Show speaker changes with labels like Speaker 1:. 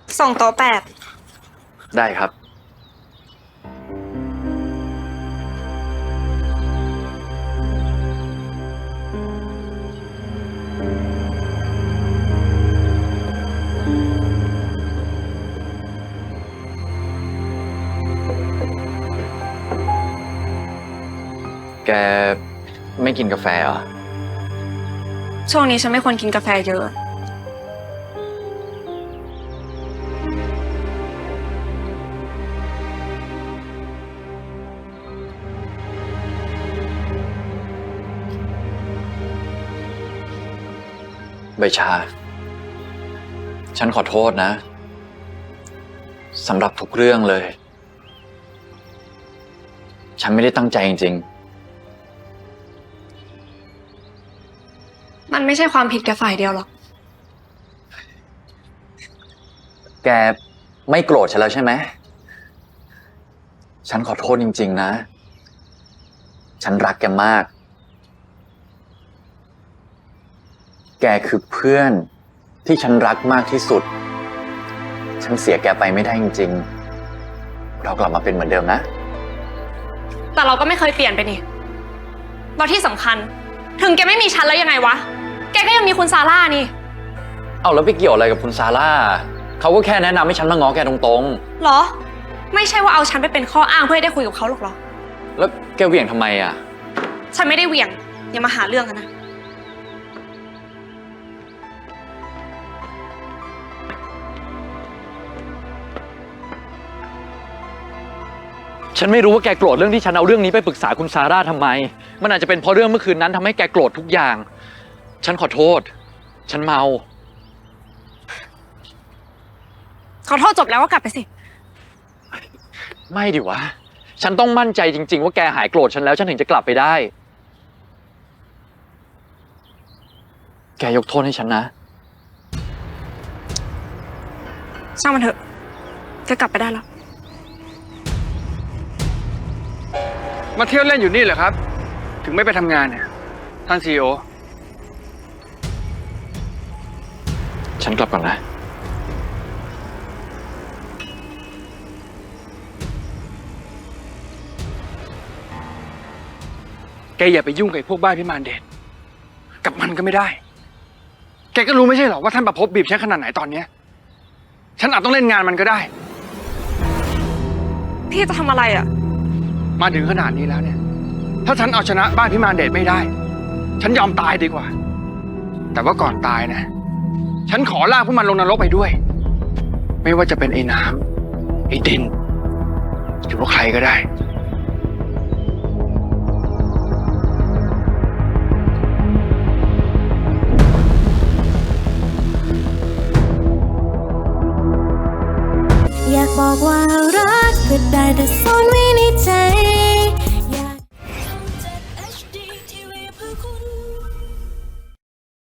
Speaker 1: 2 โต๊ะ 8
Speaker 2: ได้ครับ แกไม่กินกาแฟเหรอ
Speaker 1: ช่วงนี้ฉันไม่ควรกินกาแฟเยอะ
Speaker 2: ใบชา ฉันขอโทษนะสำหรับทุกเรื่องเลย ฉันไม่ได้ตั้งใจจริง
Speaker 1: มันไม่ใช่ความผิดแกฝ่ายเดียวหรอก
Speaker 2: ๆ แกไม่โกรธฉันแล้วใช่ไหม ฉันขอโทษจริงๆนะ ฉันรักแกมาก แกคือเพื่อนที่ฉันรักมากที่สุด ฉันเสียแกไปไม่ได้จริงๆ เรากลับมาเป็นเหมือนเดิมนะ
Speaker 1: แต่เราก็ไม่เคยเปลี่ยนไปนี่แล้วที่สำคัญ ถึงแกไม่มีฉันแล้วยังไงวะ แกก็ยังมีคุณซาร่านี่
Speaker 2: เอาแล้วไปเกี่ยวอะไรกับคุณซาร่า เขาก็แค่แนะนำให้ฉันมาง้อแกตรง
Speaker 1: หรอ ไม่ใช่ว่าเอาฉันไปเป็นข้ออ้างเพื่อให้ได้คุยกับเขาหรอกเหรอ
Speaker 2: ๆ แล้วแกเหวี่ยงทำไมอ่ะ
Speaker 1: ฉันไม่ได้เหวี่ยง อย่ามาหาเรื่องกันนะ
Speaker 3: ฉันไม่รู้ว่าแกโกรธเรื่องที่ฉันเอาเรื่องนี้ไปปรึกษาคุณซาร่าทำไม มันอาจจะเป็นเพราะเรื่องเมื่อคืนนั้นทำให้แกโกรธทุกอย่าง ฉันขอโทษ ฉันเมา
Speaker 1: ขอโทษจบแล้วก็กลับไปสิ
Speaker 3: ไม่ดิวะ ฉันต้องมั่นใจจริงๆว่าแกหายโกรธฉันแล้วฉันถึงจะกลับไปได้ แกยกโทษให้ฉันนะ
Speaker 1: ช่างมันเถอะแกกลับไปได้แล้ว
Speaker 4: มาเที่ยวเล่นอยู่นี่เหรอครับ ถึงไม่ไปทำงานเนี่ยท่านซีโอ
Speaker 3: ฉันกลับก่อนนะ
Speaker 4: แกอย่าไปยุ่งกับพวกบ้าพิมานเดชกับมันก็ไม่ได้ แกก็รู้ไม่ใช่หรอว่าท่านประพบบีบฉันขนาดไหนตอนเนี้ยฉันอาจต้องเล่นงานมันก็ได้
Speaker 1: พี่จะทำอะไรอ่ะ
Speaker 4: มาถึงขนาดนี้แล้วเนี่ย ถ้าฉันเอาชนะบ้านพิมานเดชไม่ได้ ฉันยอมตายดีกว่า แต่ว่าก่อนตายนะ ฉันขอลากพวกมันลงนรกไปด้วย ไม่ว่าจะเป็นไอ้น้ำไอ้ดินหรือว่าใครก็ได้
Speaker 5: อยากบอกว่ารักก็ได้แต่ซ่อนไว้ในใจ